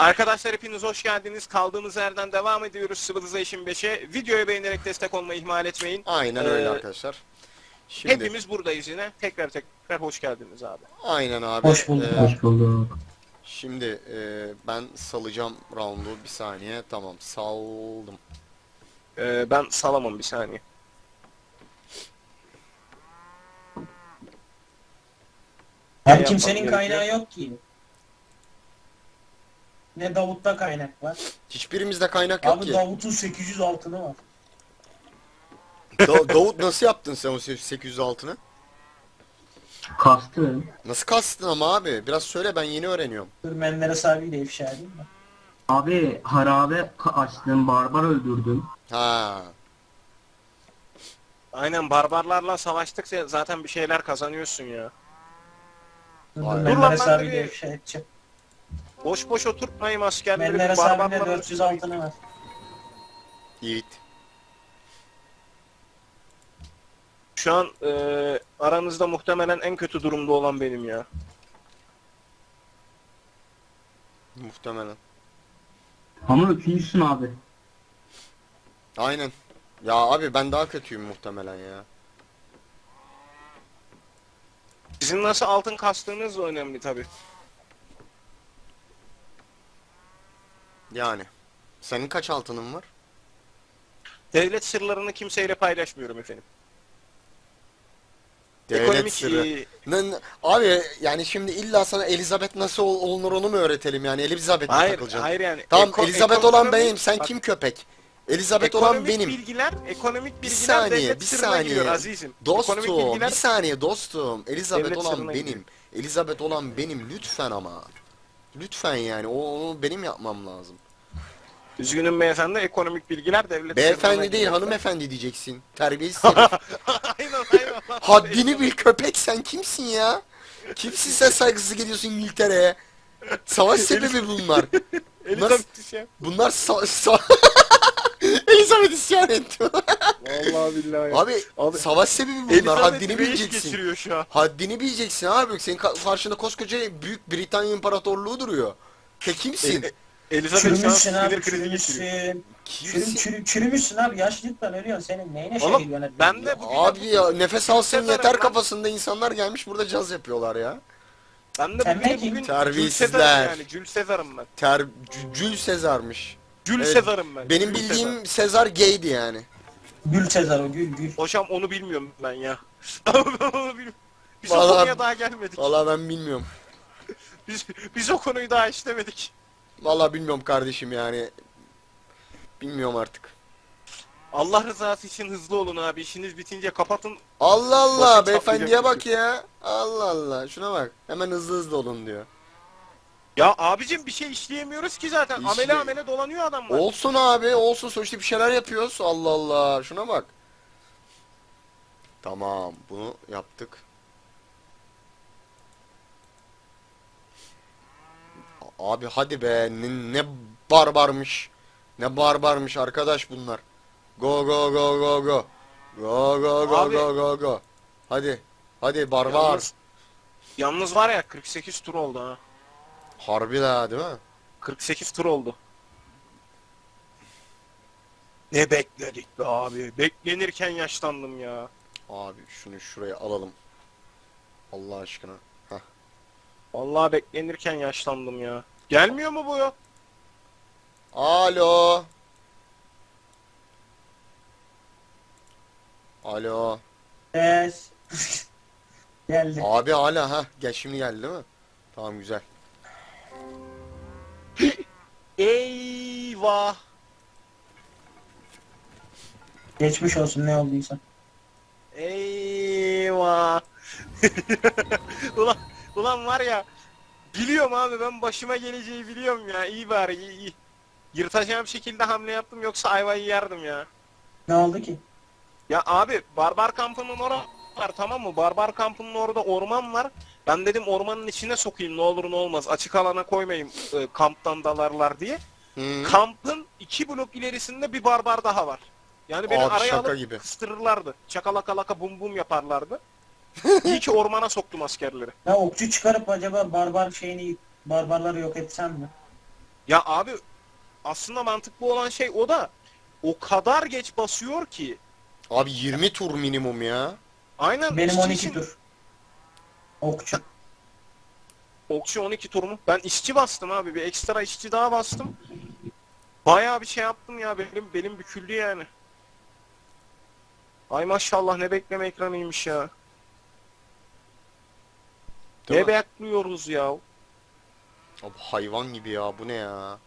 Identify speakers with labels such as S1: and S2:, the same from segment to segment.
S1: Arkadaşlar hepiniz hoş geldiniz. Kaldığımız yerden devam ediyoruz Civilization 5'e. Videoyu beğenerek destek olmayı ihmal etmeyin.
S2: Aynen öyle arkadaşlar. Şimdi
S1: Hepimiz buradayız yine. Tekrar hoş geldiniz abi.
S2: aynen abi.
S3: Hoş bulduk. Hoş bulduk.
S2: Şimdi ben salacağım roundu bir saniye. Tamam saldım.
S1: Ben salamam bir saniye.
S3: Abi
S1: Ne
S3: kimsenin
S1: yapmam
S3: kaynağı yok ki. Ne Davut'ta kaynak var.
S2: Hiçbirimizde kaynak yok
S3: Abi
S2: ki.
S3: Davut'un 800 altını var.
S2: Davut nasıl yaptın sen o 800 altını?
S4: Kastı.
S2: Nasıl kastın ama abi? Biraz söyle, ben yeni öğreniyorum.
S3: Dur Menderes abiyle ifşa edeyim mi?
S4: Abi harabe açtım, barbar öldürdüm.
S2: Ha.
S1: Aynen, barbarlarla savaştıkça zaten bir şeyler kazanıyorsun ya.
S3: Dur
S2: Vay.
S3: Menderes
S1: Dur lan, ben de
S3: abiyle
S1: bir-
S3: ifşa edeceğim.
S1: Boş boş oturtmayın askerleri.
S3: Menderes abinin de
S1: Barbarlarla
S3: 400 altını var.
S2: Yiğit.
S1: Şu an aranızda muhtemelen en kötü durumda olan benim ya.
S2: Muhtemelen.
S4: Ama öpüyorsun abi.
S2: Aynen. Ya abi ben daha kötüyüm muhtemelen ya.
S1: Sizin nasıl altın kastığınız da önemli tabi.
S2: Yani. Senin kaç altının var?
S1: Devlet sırlarını kimseyle paylaşmıyorum efendim.
S2: Devlet
S1: Ekonomik,
S2: sırrı. Abi yani şimdi illa sana Elizabeth nasıl olunur onu mu öğretelim yani? Elizabeth'le
S1: Hayır,
S2: takılacaksın.
S1: hayır yani.
S2: Tamam, Elizabeth olan
S1: ekonomik-
S2: benim. Sen
S1: bak,
S2: kim köpek? Elizabeth olan
S1: ekonomik
S2: benim.
S1: ekonomik
S2: Bir
S1: bilgiler
S2: saniye,
S1: devlet
S2: bir
S1: sırrına giriyor
S2: saniye.
S1: azizim.
S2: Dostum,
S1: Ekonomik bilgiler
S2: bir saniye dostum. Elizabeth
S1: devlet
S2: olan
S1: sırrına
S2: benim.
S1: giriyor.
S2: Elizabeth olan benim lütfen ama. Lütfen yani onu benim yapmam lazım.
S1: Üzgünüm beyefendi, ekonomik bilgiler devlet sırrına
S2: Beyefendi değil,
S1: giriyor.
S2: hanımefendi diyeceksin. Terbiyesiz herif.
S1: aynen.
S2: Haddini bil köpek, sen kimsin ya? Kimsin sen saygısızlık ediyorsun İngiltere'ye? Savaş sebebi bunlar.
S1: Elizabeth şey.
S2: Bunlar Elizabeth isyan etti.
S1: Vallahi billahi.
S2: Abi savaş sebebi bunlar.
S1: Elizabeth
S2: Haddini
S1: reis
S2: bileceksin.
S1: geçiriyor şu an.
S2: Haddini bileceksin abi. Senin karşında koskoca Büyük Britanya İmparatorluğu duruyor. Sen kimsin?
S1: Elizabeth şu an
S3: Çürümüşsün abi
S1: sinir krizi geçiriyor.
S3: çürümüşsün. Çürümüşsün abi, yaşlılıktan ölüyorsun, senin neyine
S1: Oğlum,
S3: şehir yönetmeni?
S1: ben de bugün
S2: Abi ya nefes alsın
S1: Sezar'ım
S2: yeter
S1: lan.
S2: kafasında insanlar gelmiş burada caz yapıyorlar ya.
S1: Ben de
S3: Sen
S1: bugün,
S3: ne kim?
S1: bugün
S2: Terbiyesizler.
S1: Jules Sezar'ım yani. Jules Sezar'ım ben.
S2: Jules Sezar'mış.
S1: Jules
S2: Evet,
S1: Sezar'ım ben.
S2: Benim
S1: Jules
S2: bildiğim
S1: Sezar.
S2: Sezar gaydi yani.
S3: Gül Sezar o, gül.
S1: Hocam onu bilmiyorum ben ya. Onu bilmiyorum. Biz o
S2: Vallahi-
S1: konuya daha gelmedik.
S2: Vallahi ben bilmiyorum.
S1: Biz o konuyu daha işlemedik.
S2: Vallahi bilmiyorum kardeşim yani. Bilmiyorum artık.
S1: Allah rızası için hızlı olun abi. İşiniz bitince kapatın.
S2: Allah Allah,
S1: Başı
S2: beyefendiye
S1: çatlayacak
S2: bak ya. Allah Allah, şuna bak. Hemen hızlı hızlı olun diyor.
S1: Ya abicim bir şey işleyemiyoruz ki zaten.
S2: İşle-
S1: Amele amele dolanıyor adamlar.
S2: Olsun abi, olsun, sonuçta bir şeyler yapıyoruz. Allah Allah, şuna bak. Tamam, bunu yaptık. Abi hadi be, ne barbarmış. Ne barbarmış arkadaş bunlar. Go go go go go. Go go go
S1: Abi-
S2: go go go. Hadi. Hadi barbar.
S1: Yalnız var ya 48 tur oldu ha.
S2: Harbi la, değil mi?
S1: 48 tur oldu. Ne bekledik be abi. Beklenirken yaşlandım ya.
S2: Abi şunu şuraya alalım. Allah aşkına. Heh.
S1: Vallahi beklenirken yaşlandım ya. Gelmiyor mu bu ya?
S2: Alo. Alo.
S3: Ses. Geldi.
S2: Abi hala, ha gel, şimdi geldi değil mi? Tamam, güzel.
S1: Eyvah.
S3: Geçmiş olsun ne olduysa.
S1: Eyvah. ulan var ya. Biliyorum abi, ben başıma geleceği biliyorum ya. İyi bari, iyi. Yırtacağım şekilde hamle yaptım, yoksa ayvayı yerdim ya.
S3: Ne oldu ki?
S1: Ya abi, barbar kampının orası var, tamam mı? Barbar kampının orada orman var. Ben dedim ormanın içine sokayım, ne olur ne olmaz. Açık alana koymayayım, kamptan dalarlar diye.
S2: Hı.
S1: Kampın 2 blok ilerisinde bir barbar daha var. Yani beni
S2: Abi
S1: araya
S2: şaka
S1: alıp
S2: gibi.
S1: kıstırırlardı. Çakalaka laka bum bum yaparlardı. İyi ki ormana soktum askerleri.
S3: Ya okçu çıkarıp acaba barbarları yok etsem mi?
S1: Ya abi aslında mantıklı olan şey o da o kadar geç basıyor ki.
S2: Abi 20 tur minimum ya.
S1: Aynen
S3: Benim
S1: işçi
S3: 12
S1: için
S3: tur. Okçu.
S1: okçu 12 tur mu? Ben işçi bastım abi. Bir ekstra işçi daha bastım. Bayağı bir şey yaptım ya. Benim büküldü yani. Ay maşallah ne bekleme ekranıymış ya.
S2: Değil
S1: Ne
S2: mi?
S1: bekliyoruz ya?
S2: Abi hayvan gibi ya, bu ne ya?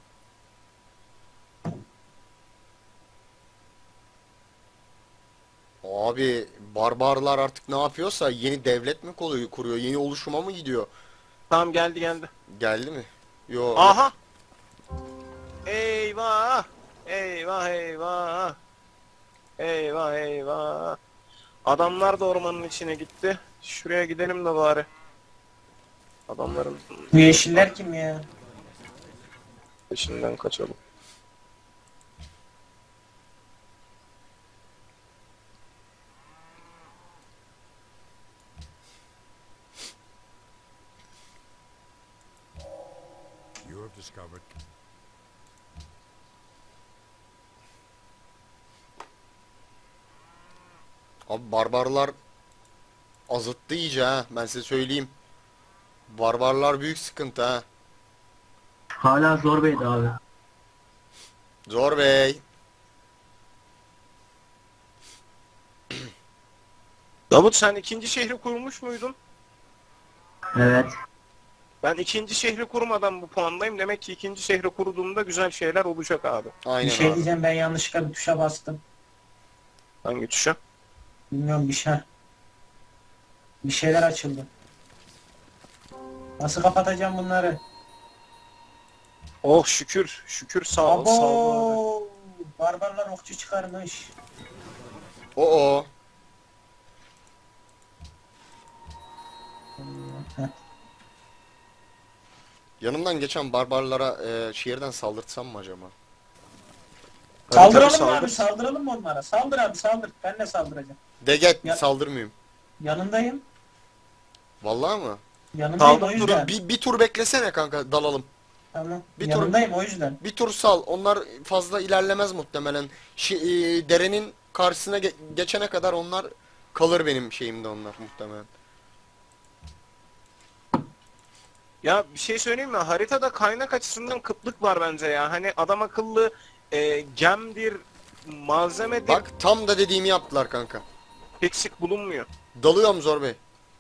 S2: Abi barbarlar artık ne yapıyorsa yeni devlet mi kuruyor? Yeni oluşuma mı gidiyor?
S1: Tamam geldi.
S2: Geldi mi? Yo, yok.
S1: Aha! Eyvah! Eyvah eyvah! Eyvah eyvah! Adamlar da ormanın içine gitti. Şuraya gidelim de bari. Adamların
S3: Bu yeşiller kim ya?
S1: peşinden kaçalım.
S5: You have discovered
S2: Abi barbarlar azıttı iyice ha. Ben size söyleyeyim. Barbarlar büyük sıkıntı ha.
S4: Hala zor beydi abi.
S2: Zor bey.
S1: Davut sen ikinci şehri kurmuş muydun?
S4: Evet.
S1: Ben ikinci şehri kurmadan bu puandayım. Demek ki ikinci şehri kurduğumda güzel şeyler olacak abi.
S3: Bir
S2: Aynen
S3: şey
S2: abi.
S3: diyeceğim, ben yanlışlıkla bir tuşa bastım.
S1: Hangi tuşa?
S3: Bilmiyorum bir şey. Bir şeyler açıldı. Nasıl kapatacağım bunları?
S1: Oh şükür. Şükür sağ ol. Sağ ol abi.
S3: Abo! Barbarlar okçu çıkarmış.
S2: Oo.
S3: Heh.
S2: Yanımdan geçen barbarlara şehirden saldırtsam mı acaba?
S3: Saldıralım mı
S1: saldır.
S3: abi? Saldıralım mı onlara? Saldır abi saldır. Ben de saldıracağım.
S2: Deget
S3: Ya-
S2: saldırmayayım.
S3: Yanındayım.
S2: Vallahi mı?
S3: Yanındayım
S1: Saldır,
S3: o
S1: dur,
S3: yüzden.
S2: Bir tur beklesene kanka, dalalım.
S3: Tamam.
S2: bir tur-
S3: Yanındayım o yüzden.
S2: Bir tur sal. Onlar fazla ilerlemez muhtemelen. Derenin karşısına geçene kadar onlar kalır, benim şeyimde onlar muhtemelen.
S1: Ya bir şey söyleyeyim mi? Haritada kaynak açısından kıtlık var bence ya. Hani adam akıllı gemdir, malzemedir
S2: Bak tam da dediğimi yaptılar kanka.
S1: eksik bulunmuyor.
S2: Dalıyorum Zor Bey.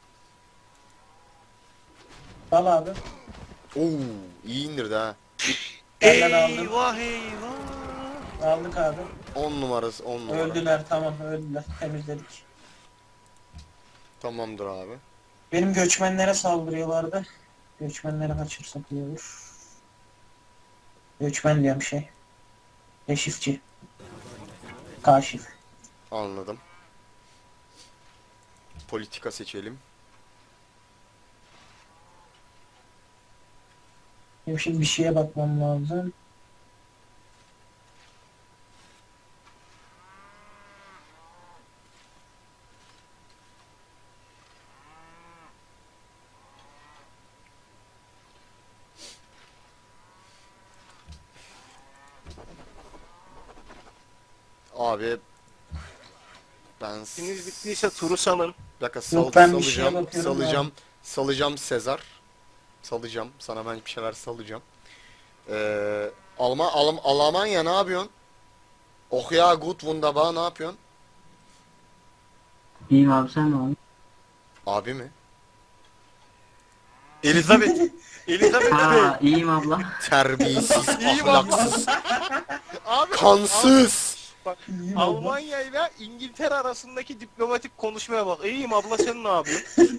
S3: Al abi.
S2: Oo, iyi indirdi ha.
S3: Ben de aldım.
S1: Eyvah eyvah.
S3: Aldık abi.
S2: 10 numarası, 10 numara.
S3: Öldüler, tamam öldüler. Temizledik.
S2: Tamamdır abi.
S3: Benim göçmenlere saldırıyorlardı. Göçmenlere kaçırsak iyi olur. Göçmen diyorum şey. Keşifçi. Kaşif.
S2: Anladım. Politika seçelim.
S3: Benim şimdi bir şeye bakmam lazım.
S2: Abi ben
S1: İşiniz bittiyse turu salın.
S2: bir dakika
S3: Yok, ben bir şeye
S2: salacağım,
S3: bakıyorum
S2: salacağım Sezar. Salacağım. Sana ben bir şeyler salacağım. Almanya ne yapıyorsun? Oh ya, gut wunderbar, ne yapıyorsun?
S4: İyiyim abi, sen ne abi?
S2: Abi mi?
S1: Elizabeth. Elizabeth
S4: Ha, iyiyim abla.
S2: Terbiyesiz,
S1: İyiyim
S2: ahlaksız,
S1: abi.
S2: kansız.
S1: Bak
S3: İyiyim abla.
S1: Almanya ile İngiltere arasındaki diplomatik konuşmaya bak. İyiyim abla sen ne yapıyorsun?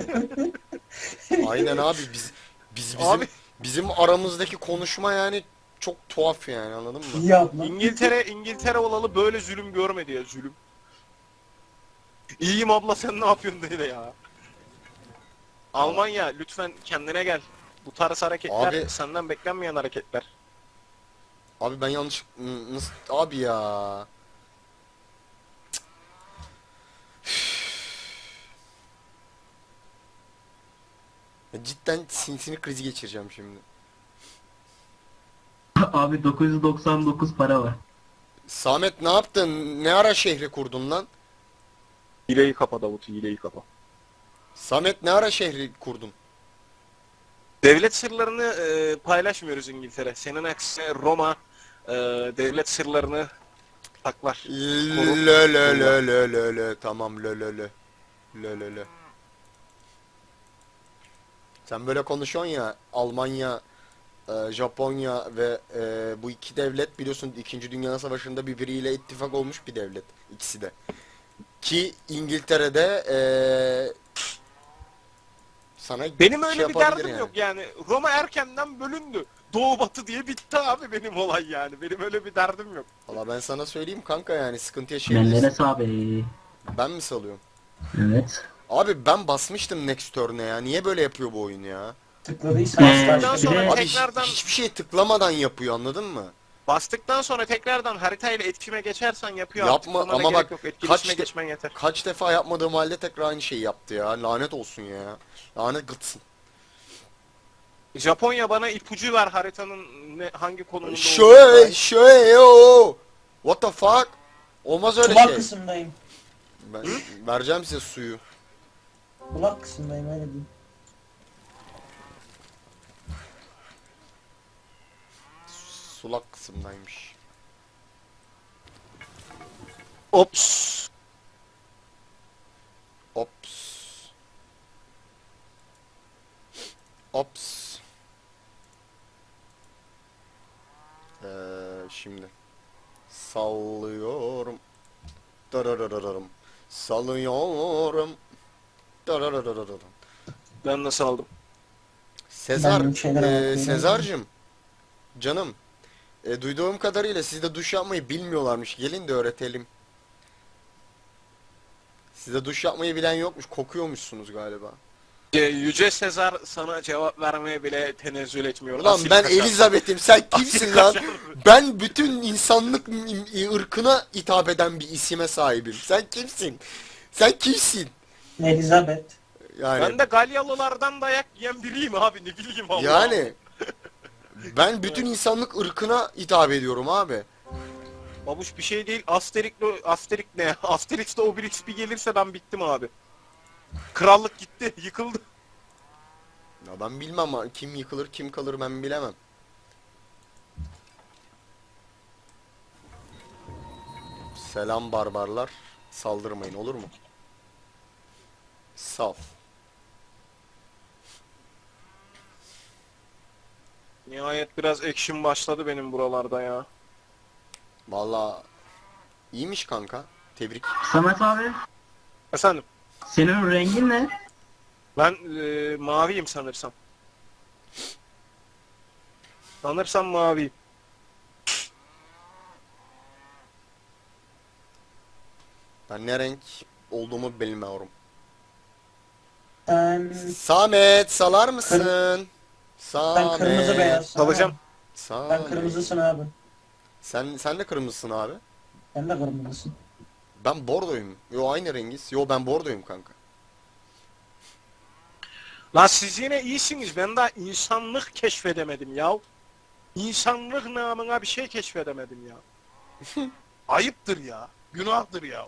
S2: Aynen abi, bizim
S1: Abi
S2: bizim aramızdaki konuşma yani çok tuhaf yani, anladın mı?
S3: İyi abla.
S1: İngiltere olalı böyle zulüm görmedi ya, zulüm. İyiyim abla sen ne yapıyorsun dedi ya. Almanya lütfen kendine gel. Bu tarz hareketler
S2: Abi-
S1: senden beklenmeyen hareketler.
S2: Abi ben yanlış nasıl abi ya? Ya cidden sinir krizi geçireceğim şimdi.
S4: Abi 999 para var.
S2: Samet ne yaptın? Ne ara şehri kurdun lan?
S1: Hileyi kapa Davut, hileyi kapa.
S2: Samet ne ara şehri kurdun?
S1: Devlet sırlarını paylaşmıyoruz İngiltere. Senin aksine Roma devlet sırlarını saklar. Korur.
S2: Lö lö lö lö lö lö. Tamam lö lö lö. Lö lö lö. Sen böyle konuşuyorsun ya, Almanya, Japonya ve bu iki devlet biliyorsun 2. Dünya Savaşı'nda birbiriyle ittifak olmuş bir devlet ikisi de. Ki İngiltere'de sana
S1: Benim öyle
S2: şey
S1: bir
S2: yapabilir
S1: derdim
S2: yani.
S1: yok yani. Roma erkenden bölündü. Doğu batı diye bitti abi benim olay yani. Benim öyle bir derdim yok.
S2: Valla ben sana söyleyeyim kanka, yani sıkıntı
S4: Menderes
S2: yaşayabilirsin.
S4: abi.
S2: Ben mi salıyorum?
S4: Evet.
S2: Abi ben basmıştım Next Turn'e ya. Niye böyle yapıyor bu oyun ya?
S3: Tıkladıysan
S1: Bastıktan
S4: bir
S1: sonra
S4: de-
S2: Abi
S1: tekrardan
S2: hiçbir şey tıklamadan yapıyor, anladın mı?
S1: bastıktan sonra tekrardan haritayla etkileşime geçersen yapıyor.
S2: Yapma,
S1: Tıklamana
S2: ama
S1: gerek
S2: bak,
S1: yok. Etkileşime
S2: kaç de-
S1: geçmen yeter.
S2: Kaç defa yapmadığım halde tekrar aynı şeyi yaptı ya. Lanet olsun ya. Lanet gıtsın.
S1: Japonya bana ipucu ver haritanın hangi konumunda olduğunu
S2: Şöyle
S1: dair.
S2: şöyle o. What the fuck? Olmaz öyle
S3: Kulak
S2: şey.
S3: kısımdayım.
S2: Ben vereceğim size suyu.
S3: Kulak kısımdayım öyle diyeyim.
S2: Sulak kısımdaymış.
S1: Ops.
S2: Ops. Ops. Şimdi sallıyorum. Dararararım. Sallıyorum. Dararararım.
S1: Ben nasıl aldım?
S2: Sezar,
S3: Ben bir şeylere bakıyorum.
S2: Sezar'cığım, canım, duyduğum kadarıyla sizde duş yapmayı bilmiyorlarmış. Gelin de öğretelim. Sizde duş yapmayı bilen yokmuş. Kokuyormuşsunuz galiba.
S1: Yüce Sezar sana cevap vermeye bile tenezzül etmiyor.
S2: Ulan
S1: Asil
S2: ben
S1: kaşar.
S2: Elizabeth'im. Sen kimsin
S1: Asil
S2: lan?
S1: kaşar.
S2: Ben bütün insanlık ırkına hitap eden bir isime sahibim. Sen kimsin? Sen kimsin?
S3: Elizabeth.
S2: Yani
S1: Ben de Galyalılardan dayak yiyen biriyim abi, ne bileyim Allah.
S2: yani ben bütün insanlık ırkına hitap ediyorum abi.
S1: Babuş bir şey değil. Asterix ne? Asterix'le Obelix bir gelirse ben bittim abi. Krallık gitti, yıkıldı.
S2: Ya ben bilmem ama kim yıkılır kim kalır ben bilemem. Selam barbarlar. Saldırmayın, olur mu? Sal.
S1: Nihayet biraz action başladı benim buralarda ya.
S2: Valla iyiymiş kanka. Tebrik.
S4: Samet abi,
S1: Efendim,
S4: senin rengin ne?
S1: ben maviyim sanırsam. Sanırsam maviyim.
S2: Ben ne renk olduğumu bilmiyorum.
S3: Ben,
S2: Samet salar mısın?
S3: ben
S2: Samet.
S3: kırmızı beyaz.
S1: Salacağım.
S2: Samet.
S3: Ben kırmızısın abi.
S2: Sen de kırmızısın abi.
S3: Sen de kırmızısın.
S2: Ben bordoyum. Yo aynı rengiz. Yo ben bordoyum kanka.
S1: Lan siz yine iyisiniz. Ben daha insanlık keşfedemedim ya. İnsanlık namına bir şey keşfedemedim ya. Ayıptır ya. Günahtır ya.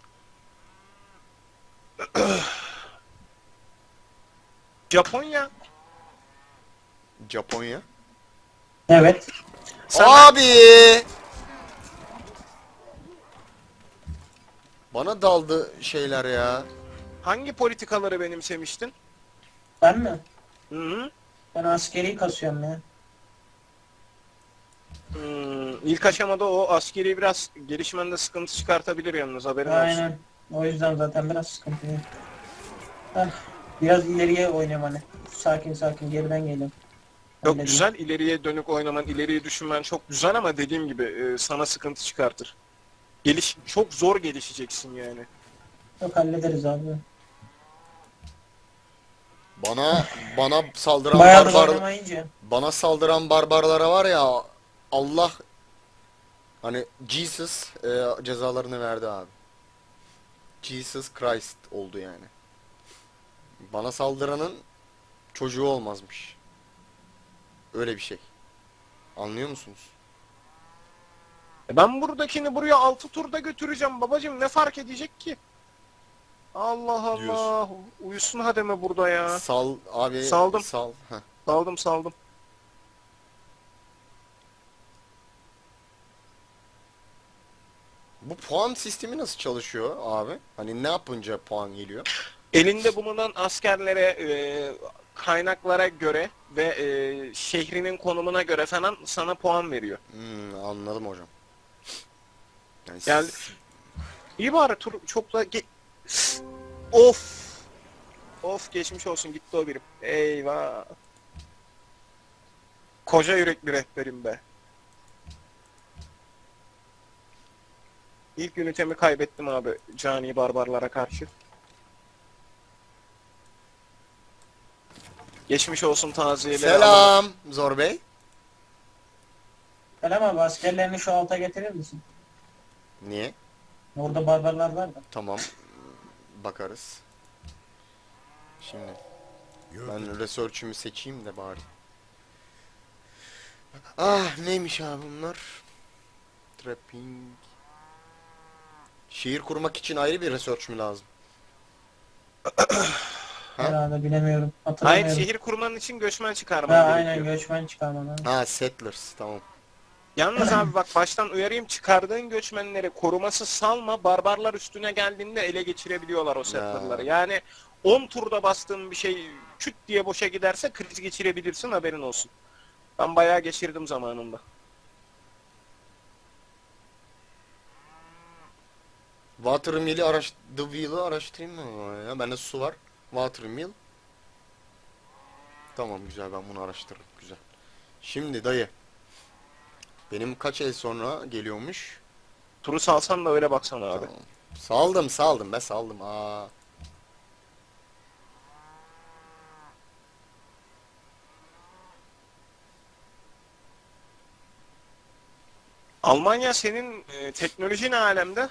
S1: Japonya.
S2: Japonya.
S3: Evet.
S1: Sen
S2: Abi! Bana daldı şeyler ya.
S1: hangi politikaları benimsemiştin?
S3: Ben mi?
S1: Hı -hı.
S3: Ben askeri kasıyorum ya.
S1: İlk aşamada o askeri biraz gelişmende sıkıntı çıkartabilir yalnız, haberin olsun.
S3: Aynen. O yüzden zaten biraz sıkıntı. Ah, biraz ileriye oynuyorum hani. Sakin sakin geriden geliyorum.
S1: Çok
S3: Halledeyim.
S1: güzel, ileriye dönük oynaman, ileriye düşünmen çok güzel ama dediğim gibi sana sıkıntı çıkartır. Çok zor gelişeceksin yani.
S3: Yok hallederiz abi.
S2: Bana saldıran
S3: Bayağı da
S2: barbar
S3: oynamayınca.
S2: bana saldıran barbarlara var ya, Allah hani Jesus cezalarını verdi abi. Jesus Christ oldu yani. Bana saldıranın çocuğu olmazmış. Öyle bir şey. Anlıyor musunuz?
S1: Ben buradakini buraya 6 turda götüreceğim babacım, ne fark edecek ki? Allah Allah.
S2: Diyorsun.
S1: Uyusun hademe burada ya.
S2: Sal abi.
S1: Saldım.
S2: Sal. Heh.
S1: Saldım.
S2: Bu puan sistemi nasıl çalışıyor abi? Hani ne yapınca puan geliyor?
S1: Elinde bulunan askerlere, kaynaklara göre ve şehrinin konumuna göre falan sana puan veriyor.
S2: Anladım hocam.
S1: Yani iyi bari tur çok da of. Of, geçmiş olsun, gitti o birim. Eyvah. Koca yürekli rehberim be. İlk ünitemi kaybettim abi cani barbarlara karşı. Geçmiş olsun taziyeleri.
S2: Selam Zor Bey.
S3: Selam abi, askerlerini şu alta getirir misin?
S2: Niye?
S3: Orada barbarlar var da.
S2: Tamam. Bakarız. Şimdi
S5: You have
S2: ben research'ümü seçeyim de bari. Ah neymiş abi bunlar? Trapping. Şehir kurmak için ayrı bir research mü lazım? Ha?
S3: Herhalde bilemiyorum.
S1: Hayır,
S3: Hatırlamıyorum.
S1: şehir kurmanın için göçmen
S3: Ha,
S1: çıkarman
S3: aynen
S1: gerekiyor.
S3: göçmen çıkarmadan.
S2: Ha settlers tamam.
S1: Yalnız abi bak, baştan uyarayım, çıkardığın göçmenleri korumasız salma, barbarlar üstüne geldiğinde ele geçirebiliyorlar o settler'ları. Yani 10 turda bastığın bir şey küt diye boşa giderse kriz geçirebilirsin, haberin olsun. Ben bayağı geçirdim zamanında.
S2: Watermill'i The Wheel'ı araştırayım mı ya? Bende su var. Watermill. Tamam güzel, ben bunu araştırırım. Güzel. Şimdi dayı. Benim kaç el sonra geliyormuş?
S1: Turu salsan da öyle baksana abi.
S2: Tamam. Saldım be saldım. Aa.
S1: Almanya senin teknoloji ne alemde?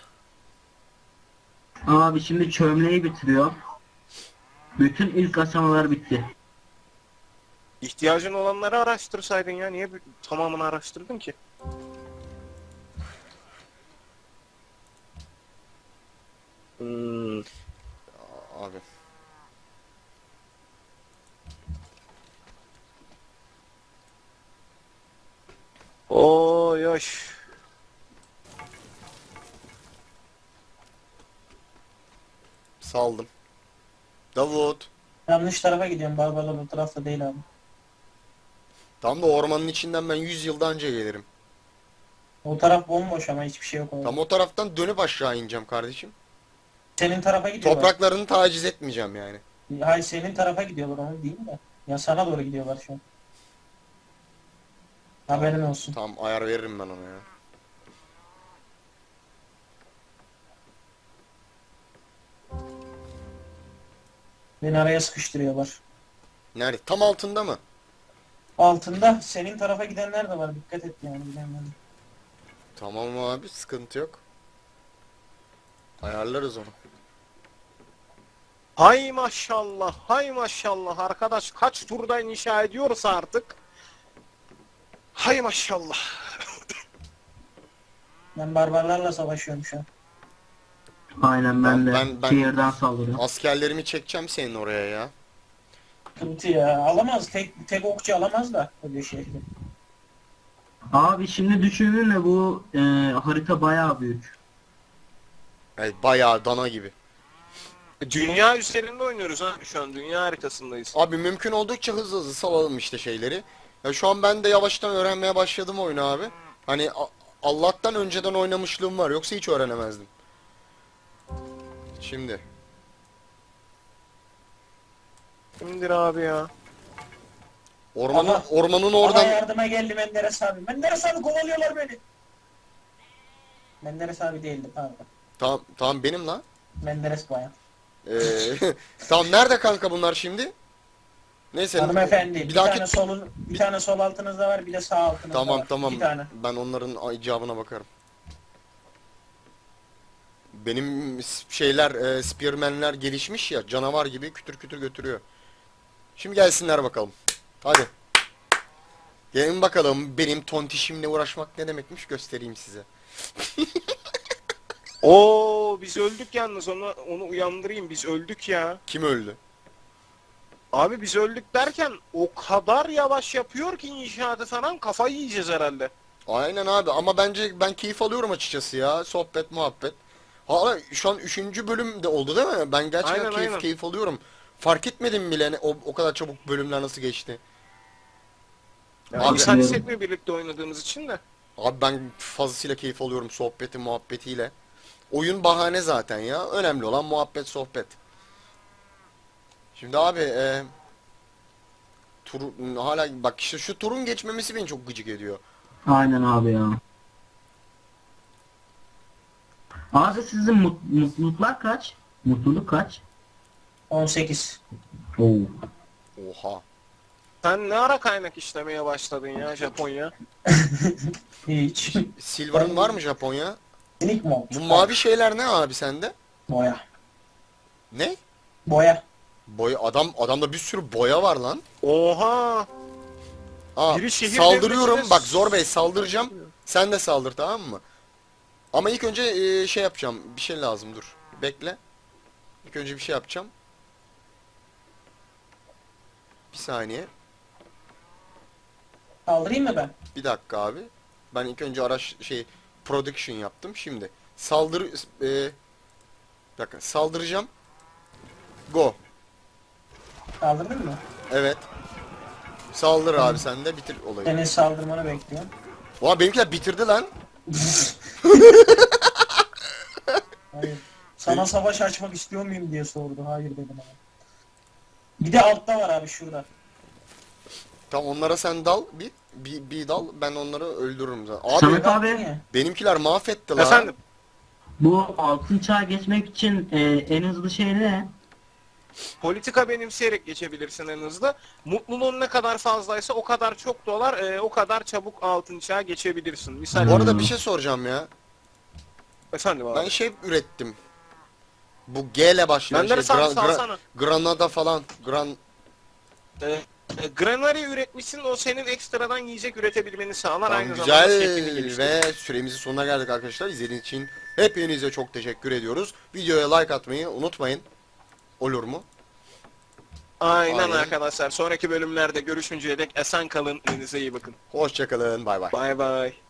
S4: Abi şimdi çömleği bitiriyor. Bütün ilk aşamalar bitti.
S1: İhtiyacın olanları araştırsaydın ya. Niye tamamını araştırdın ki?
S2: Abi.
S1: Oy yoş.
S2: Saldım. Davut.
S3: Yanlış tarafa gidiyorum. Barbarlar bu tarafta değil abi.
S2: Tam da ormanın içinden ben 100 yılda önce gelirim.
S3: O taraf bomboş ama hiçbir şey yok orada.
S2: Tam o taraftan dönüp aşağı ineceğim kardeşim.
S3: Senin tarafa gidiyorlar.
S2: Topraklarını taciz etmeyeceğim yani.
S3: Hayır, senin tarafa gidiyorlar, onu değil de. Ya sana doğru gidiyorlar şu an. Haberin olsun.
S2: Tamam ayar veririm ben ona ya.
S3: Beni araya sıkıştırıyorlar.
S2: Nerede? Tam altında mı?
S3: Altında senin tarafa gidenler de var. Dikkat et yani, bilemedim.
S2: Tamam abi sıkıntı yok. Ayarlarız onu.
S1: Hay maşallah, hay maşallah arkadaş, kaç turda inşa ediyorsa artık. Hay maşallah.
S3: Ben barbarlarla savaşıyorum şu an.
S4: Aynen ben de
S2: Ben-
S4: şehirden saldırıyorum.
S2: Askerlerimi çekeceğim senin oraya ya.
S3: Sıkıntı ya. Alamaz. Tek okçu alamaz da öyle şehri.
S4: Abi şimdi düşündüğünde bu harita bayağı büyük.
S2: Evet, bayağı dana gibi.
S1: Dünya üzerinde oynuyoruz ha, şu an dünya haritasındayız.
S2: Abi mümkün oldukça hızlı hızlı salalım işte şeyleri. Ya şu an ben de yavaştan öğrenmeye başladım oyunu abi. Hani Allah'tan önceden oynamışlığım var, yoksa hiç öğrenemezdim. Şimdi.
S1: Kimdir abi ya?
S2: Ormanın
S3: Bana
S2: oradan
S3: yardıma geldi Menderes abi. Menderes abi, kovalıyorlar beni. Menderes abi değildi, pardon.
S2: tamam benim lan.
S3: Menderes bayağı.
S2: Ee, tamam nerede kanka bunlar şimdi? Neyse.
S3: Hanımefendi, bir
S2: dahaki
S3: tane bir tane sol altınızda var, bir de sağ altınızda
S2: Tamam
S3: var.
S2: tamam.
S3: Bir tane.
S2: Ben onların icabına bakarım. Benim şeyler spearmenler gelişmiş ya, canavar gibi kütür kütür götürüyor. Şimdi gelsinler bakalım. Hadi. Gelin bakalım benim tontişimle uğraşmak ne demekmiş, göstereyim size.
S1: Oo biz öldük yalnız, onu uyandırayım, biz öldük ya.
S2: Kim öldü?
S1: Abi biz öldük derken o kadar yavaş yapıyor ki inşaatı falan, kafayı yiyeceğiz herhalde.
S2: Aynen abi ama bence ben keyif alıyorum açıkçası ya. Sohbet muhabbet. Hala şu an 3. bölüm de oldu değil mi? Ben gerçekten
S1: Aynen, aynen.
S2: keyif alıyorum. Fark etmedim bile o kadar çabuk bölümler nasıl geçti.
S1: Yani
S2: Abi-
S1: insan hissetmiyor birlikte oynadığımız için de.
S2: Abi ben fazlasıyla keyif alıyorum sohbeti muhabbetiyle. Oyun bahane zaten ya. Önemli olan muhabbet sohbet. Şimdi abi tur hala bak işte şu turun geçmemesi beni çok gıcık ediyor.
S4: Aynen abi ya. Abi sizin mutluluklar kaç? Mutluluk kaç?
S3: 18.
S4: Oo.
S2: Oha.
S1: Sen ne ara kaynak işlemeye başladın ya Japonya?
S3: Hiç.
S2: Silver'ın var mı Japonya?
S3: Minik mod.
S2: Bu mavi şeyler ne abi sende?
S3: Boya.
S2: Ne?
S3: Boya.
S2: Boya adamda bir sürü boya var lan.
S1: Oha!
S2: Aa,
S1: Biri şehir
S2: saldırıyorum.
S1: devletine
S2: Bak Zor Bey saldıracağım. Sen de saldır tamam mı? Ama ilk önce şey yapacağım. Bir şey lazım dur. Bekle. İlk önce bir şey yapacağım. Bir saniye.
S3: Kaldırayım mı ben?
S2: Bir dakika abi. Ben ilk önce production yaptım. Şimdi bir dakika saldıracağım. Go.
S3: Kaldırdın mı?
S2: Evet. Saldır abi sen de bitir olayı.
S3: Senin saldırmanı bekliyorum.
S2: Oha benimkiler bitirdi lan.
S3: Hayır. Sana savaş açmak istiyor muyum diye sordu. Hayır dedim ama. Bir de altta var abi şurada.
S2: Tamam onlara sen dal bir dal ben onları öldürürüm zaten. Abi
S4: Samet
S3: Baktın
S4: abi
S3: ya.
S2: benimkiler mahvetti lan.
S1: Efendim?
S4: bu altın çağa geçmek için en hızlı şey ne?
S1: Politika benimseyerek geçebilirsin en hızlı. Mutluluğun ne kadar fazlaysa o kadar çok dolar, o kadar çabuk altın çağa geçebilirsin. Misal
S2: Bu arada bir şey soracağım ya.
S1: efendim abi.
S2: Ben şey ürettim. Bu G ile başlayan
S1: Benleri
S2: şey
S1: salsana.
S2: Granada falan.
S1: Granary üretmişsin, o senin ekstradan yiyecek üretebilmeni sağlar,
S2: Tamam,
S1: aynı zamanda şeklini
S2: güzel
S1: geliştirir.
S2: ve süremizin sonuna geldik arkadaşlar. İzlediğiniz için hepinize çok teşekkür ediyoruz. Videoya like atmayı unutmayın. Olur mu?
S1: Aynen,
S2: Aynen.
S1: arkadaşlar. Sonraki bölümlerde görüşünceye dek esen kalın. Kendinize iyi bakın.
S2: Hoşçakalın. Bay bay.
S1: Bay bay.